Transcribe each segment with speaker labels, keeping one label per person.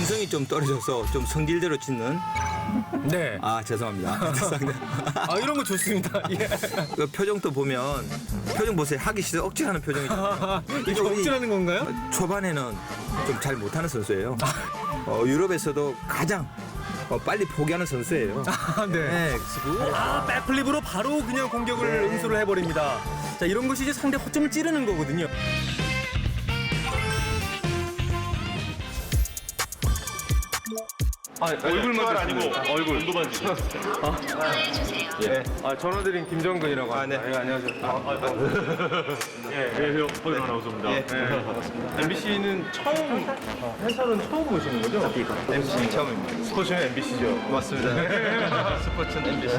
Speaker 1: 근성이 좀 떨어져서 좀 성질대로 짓는.
Speaker 2: 네.
Speaker 1: 아 죄송합니다. 죄송합니다.
Speaker 2: 아 이런 거 좋습니다. 예.
Speaker 1: 그 표정도 보면 표정 보세요. 하기 싫어 억지하는 표정이잖아요.
Speaker 2: 이게 억지라는 건가요?
Speaker 1: 초반에는 좀 잘 못하는 선수예요. 유럽에서도 가장 빨리 포기하는 선수예요.
Speaker 2: 아, 네.
Speaker 1: 네.
Speaker 2: 아, 백플립으로 바로 그냥 공격을 응수를 해버립니다. 자, 이런 것이 이제 상대 허점을 찌르는 거거든요. 아, 얼굴만
Speaker 3: 아니고 얼굴 눈도만 지금.
Speaker 2: 예. 아, 전화드린 김정근이라고 합니다.
Speaker 1: 네.
Speaker 2: 예, 안녕하세요.
Speaker 3: 예, 안녕하세요. 허영 아나운서입니다.
Speaker 2: 네, 반갑습니다. MBC는 처음, 회사는 처음 보시는 거죠?
Speaker 1: MC 처음입니다.
Speaker 2: 스포츠는 MBC죠.
Speaker 1: 맞습니다. 스포츠는 MBC.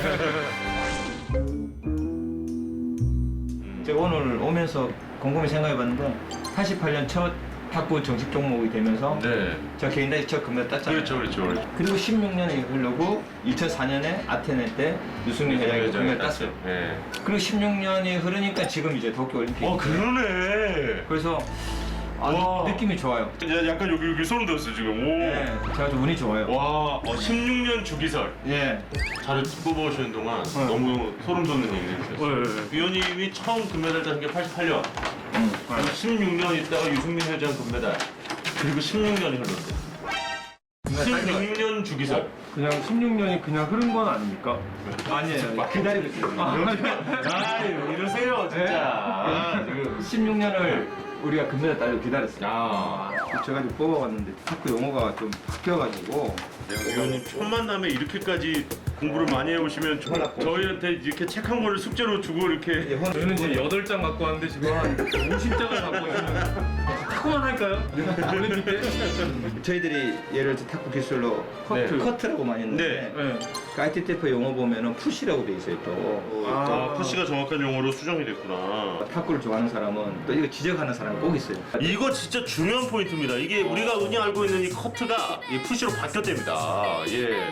Speaker 1: 제가 오늘 오면서 곰곰이 생각해봤는데 88년 첫 탁구 정식 종목이 되면서
Speaker 3: 네.
Speaker 1: 저 개인단위 첫 금메달 땄잖아요.
Speaker 3: 그렇죠.
Speaker 1: 그리고 16년이 흐르고 2004년에 아테네 때 유승민 회장이 금메달 땄어요.
Speaker 3: 네.
Speaker 1: 그리고 16년이 흐르니까 지금 이제 도쿄올림픽.
Speaker 3: 그러네.
Speaker 1: 그래서 아주
Speaker 3: 와.
Speaker 1: 느낌이 좋아요.
Speaker 3: 약간 여기 소름 돋았어요 지금. 오.
Speaker 1: 네, 제가 좀 운이 좋아요.
Speaker 3: 와, 16년 주기설.
Speaker 1: 예.
Speaker 3: 자료 뽑아오시는 동안 너무 소름 돋는 얘기를 했어요. 위원님이 처음 금메달 딴 게 88년. 16년 있다가 유승민 회장 금메달. 그리고 16년이 흘렀어요. 16년 주기설.
Speaker 2: 그냥 16년이 그냥 흐른 건 아닙니까?
Speaker 1: 아니에요. 기다리고 있어요.
Speaker 3: 아, 이러세요 진짜.
Speaker 1: 16년을 우리가 금메달 따려고 기다렸어요.
Speaker 3: 아.
Speaker 1: 제가 좀 뽑아봤는데 탁구 용어가 좀 바뀌어가지고
Speaker 3: 위원님 첫 만남에 이렇게까지 공부를 많이 해오시면 저희한테 이렇게 책 한 권을 숙제로 주고 이렇게.
Speaker 2: 저희는 지금 8장 갖고 왔는데 지금 한 50장을 갖고 있는 타고만 할까요? 올림픽 때?
Speaker 1: 저희들이 예를 들어 탁구 기술로 커트라고 많이 했는데
Speaker 2: 네.
Speaker 1: 그 ITF 용어 보면은 푸시라고 돼 있어요 또.
Speaker 3: 아, 푸시가 정확한 용어로 수정이 됐구나.
Speaker 1: 탁구를 좋아하는 사람은 또 이거 지적하는 사람이 꼭 있어요.
Speaker 3: 이거 진짜 중요한 포인트입니다. 이게 우리가 흔히 알고 있는 이 커트가 이 푸시로 바뀌었답니다. 예.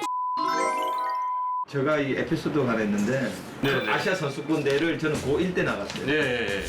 Speaker 1: 제가 이 에피소드가 하나 있는데
Speaker 3: 네.
Speaker 1: 아시아 선수권 대회를 저는 고1 때 나갔어요.
Speaker 3: 예.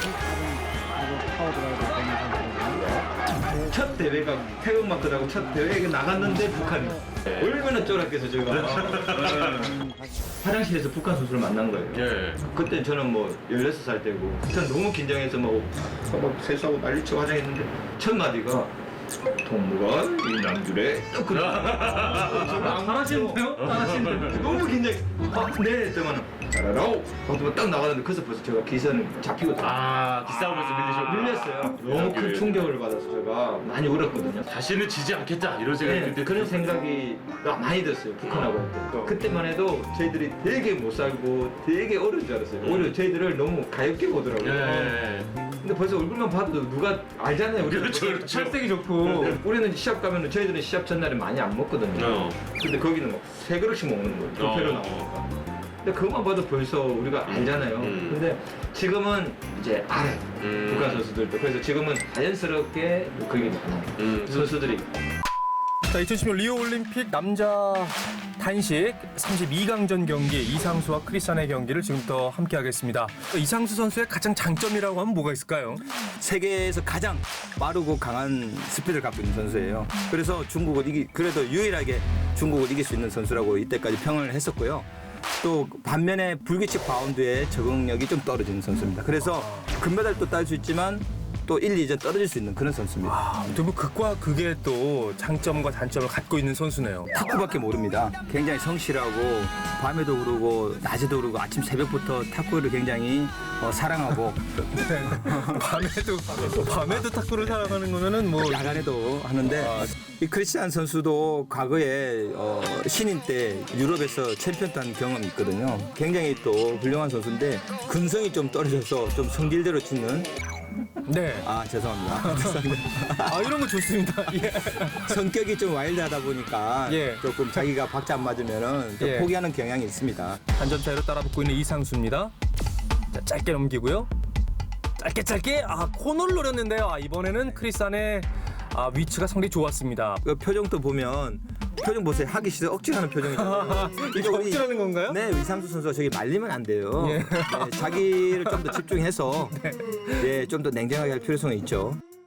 Speaker 1: 첫 대회가 태극마크라고 첫 대회에 나갔는데 북한이 얼마나 쫄았겠어 제가. 화장실에서 북한 선수를 만난 거예요.
Speaker 3: 예.
Speaker 1: 그때 저는 뭐 16살 때고 전 너무 긴장해서 막 세수하고 난리치고 화장했는데 첫 마디가 동무가 이 남줄에 또 그래.
Speaker 2: 잘하시는데요? 잘하시는데요?
Speaker 1: 너무 긴장해. 네 했더만 잘하라고 하고 딱 나가는데 그래서 벌써 제가 기선을 잡히고
Speaker 3: 아, 기싸움에서
Speaker 1: 밀렸어요. 너무 큰 충격을 받아서 제가 많이 울었거든요.
Speaker 3: 다시는 지지 않겠다 이런 생각이
Speaker 1: 네,
Speaker 3: 그때
Speaker 1: 그런 생각이 많이 들었어요. 북한하고 할 때. 그때만 해도 저희들이 되게 못 살고 되게 어려운 줄 알았어요. 오히려 저희들을 너무 가엽게 보더라고요.
Speaker 3: 예.
Speaker 1: 근데 벌써 얼굴만 봐도 누가 알잖아요. 우리
Speaker 3: 그렇죠.
Speaker 2: 찰색이 좋고
Speaker 1: 우리는 시합 가면은 저희들은 시합 전날에 많이 안 먹거든요. 근데 거기는 막 3그릇씩 먹는 거예요. 두 배로 나오니까. 근데 그것만 봐도 벌써 우리가 알잖아요. 근데 지금은 이제 알아요. 북한 선수들도. 그래서 지금은 자연스럽게 그게 많아요. 선수들이.
Speaker 2: 자, 2016 리오 올림픽 남자 단식 32강전 경기 이상수와 크리스찬의 경기를 지금부터 함께 하겠습니다. 이상수 선수의 가장 장점이라고 하면 뭐가 있을까요?
Speaker 1: 세계에서 가장 빠르고 강한 스피드를 갖고 있는 선수예요. 그래서 중국을 그래도 유일하게 중국을 이길 수 있는 선수라고 이때까지 평을 했었고요. 또 반면에 불규칙 바운드의 적응력이 좀 떨어지는 선수입니다. 그래서 금메달도 딸 수 있지만 또 1, 2전 떨어질 수 있는 그런 선수입니다.
Speaker 2: 아, 뭐 극과 극의 또 장점과 단점을 갖고 있는 선수네요.
Speaker 1: 탁구밖에 모릅니다. 굉장히 성실하고 밤에도 그러고 낮에도 그러고 아침 새벽부터 탁구를 굉장히 사랑하고
Speaker 2: 밤에도 탁구를 사랑하는 거면은 뭐
Speaker 1: 야간에도 하는데 이 크리스찬 선수도 과거에 신인 때 유럽에서 챔피언 탄 경험이 있거든요. 굉장히 또 훌륭한 선수인데 근성이 좀 떨어져서 좀 성질대로 치는.
Speaker 2: 네.
Speaker 1: 아 죄송합니다. 죄송합니다.
Speaker 2: 아, 이런 거 좋습니다. 예.
Speaker 1: 성격이 좀 와일드하다 보니까
Speaker 2: 예.
Speaker 1: 조금 자기가 박자 안 맞으면은 좀
Speaker 2: 예.
Speaker 1: 포기하는 경향이 있습니다.
Speaker 2: 한 점 차이로 따라붙고 있는 이상수입니다. 자, 짧게 넘기고요. 짧게 코너를 노렸는데요. 이번에는 크리스찬의 위치가 상당히 좋았습니다.
Speaker 1: 그 표정도 보면 표정 보세요. 하기 싫어 억지하는 표정이잖아요.
Speaker 2: 이게 억지라는 건가요?
Speaker 1: 네, 이상수 선수가 저기 말리면 안 돼요.
Speaker 2: 예.
Speaker 1: 네, 자기를 좀 더 집중해서 네, 좀 더 냉정하게 할 필요성이 있죠.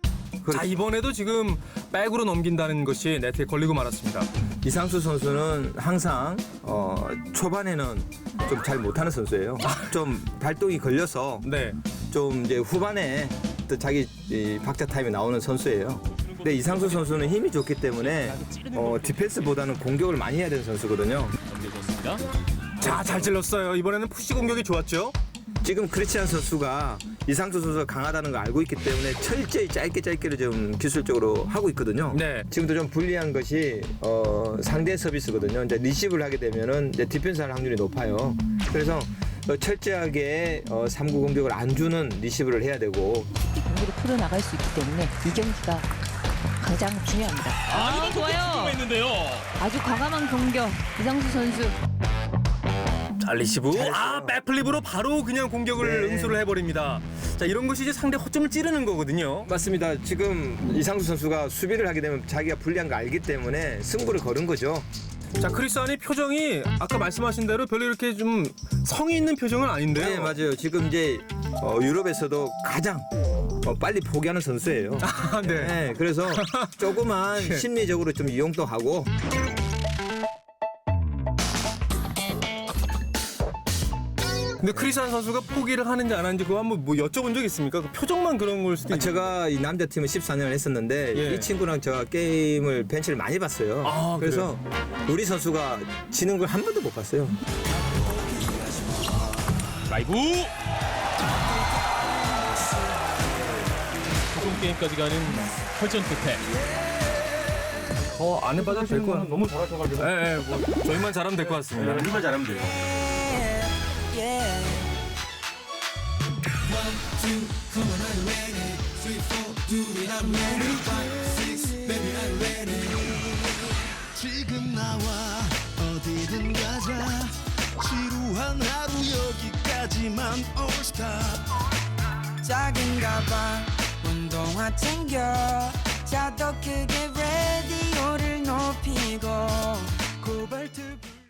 Speaker 2: 자, 이번에도 지금 백으로 넘긴다는 것이 네트에 걸리고 말았습니다.
Speaker 1: 이상수 선수는 항상 초반에는 좀 잘 못하는 선수예요. 좀 발동이 걸려서
Speaker 2: 네.
Speaker 1: 좀 이제 후반에 또 자기 이 박자 타임이 나오는 선수예요. 근데 이상수 선수는 힘이 좋기 때문에 디펜스보다는 공격을 많이 해야 되는 선수거든요.
Speaker 2: 자, 잘 찔렀어요. 이번에는 푸시 공격이 좋았죠?
Speaker 1: 지금 크리스찬 선수가 이상수 선수가 강하다는 걸 알고 있기 때문에 철저히 짧게를 좀 기술적으로 하고 있거든요.
Speaker 2: 네.
Speaker 1: 지금도 좀 불리한 것이 상대 서비스거든요. 이제 리시브를 하게 되면은 이제 디펜스할 확률이 높아요. 그래서 철저하게 3구 공격을 안 주는 리시브를 해야 되고
Speaker 4: 경기를 풀어나갈 수 있기 때문에 이 경기가 가장 중요합니다.
Speaker 5: 아,
Speaker 4: 좋아요.
Speaker 5: 있는데요.
Speaker 4: 아주 과감한 공격 이상수 선수.
Speaker 2: 자, 리시브.
Speaker 1: 잘했어요.
Speaker 2: 백플립으로 바로 그냥 공격을
Speaker 1: 네.
Speaker 2: 응수를 해버립니다. 자, 이런 것이 이제 상대 허점을 찌르는 거거든요.
Speaker 1: 맞습니다. 지금 이상수 선수가 수비를 하게 되면 자기가 불리한 거 알기 때문에 승부를 거는 거죠.
Speaker 2: 자, 크리스안이 표정이 아까 말씀하신 대로 별로 이렇게 좀 성의 있는 표정은 아닌데요.
Speaker 1: 네, 맞아요. 지금 이제 유럽에서도 가장 빨리 포기하는 선수예요.
Speaker 2: 아, 네.
Speaker 1: 네, 그래서 조그만 심리적으로 좀 이용도 하고
Speaker 2: 근데 크리스안 선수가 포기를 하는지 안 하는지 그거 한번 뭐 여쭤본 적 있습니까? 그 표정만 그런 걸 수도 있죠.
Speaker 1: 제가 이 남자 팀을 14년을 했었는데
Speaker 2: 예.
Speaker 1: 이 친구랑 제가 게임을 벤치를 많이 봤어요.
Speaker 2: 아,
Speaker 1: 그래서 우리 선수가 지는 걸 한 번도 못 봤어요.
Speaker 5: 라이브. 최종 게임까지 가는 혈전 끝에
Speaker 2: 안 해봐도 될 것 같아요.
Speaker 6: 너무 잘하셔가지고.
Speaker 2: 네, 뭐 저희만 잘하면 될 것 같습니다.
Speaker 6: 우리만 잘하면 돼요.
Speaker 7: 지금 나와 어디든 가자 지루한 하루 여기까지만 All stop
Speaker 8: 작은가 봐 운동화 챙겨 자도 크게 라디오를 높이고 코발트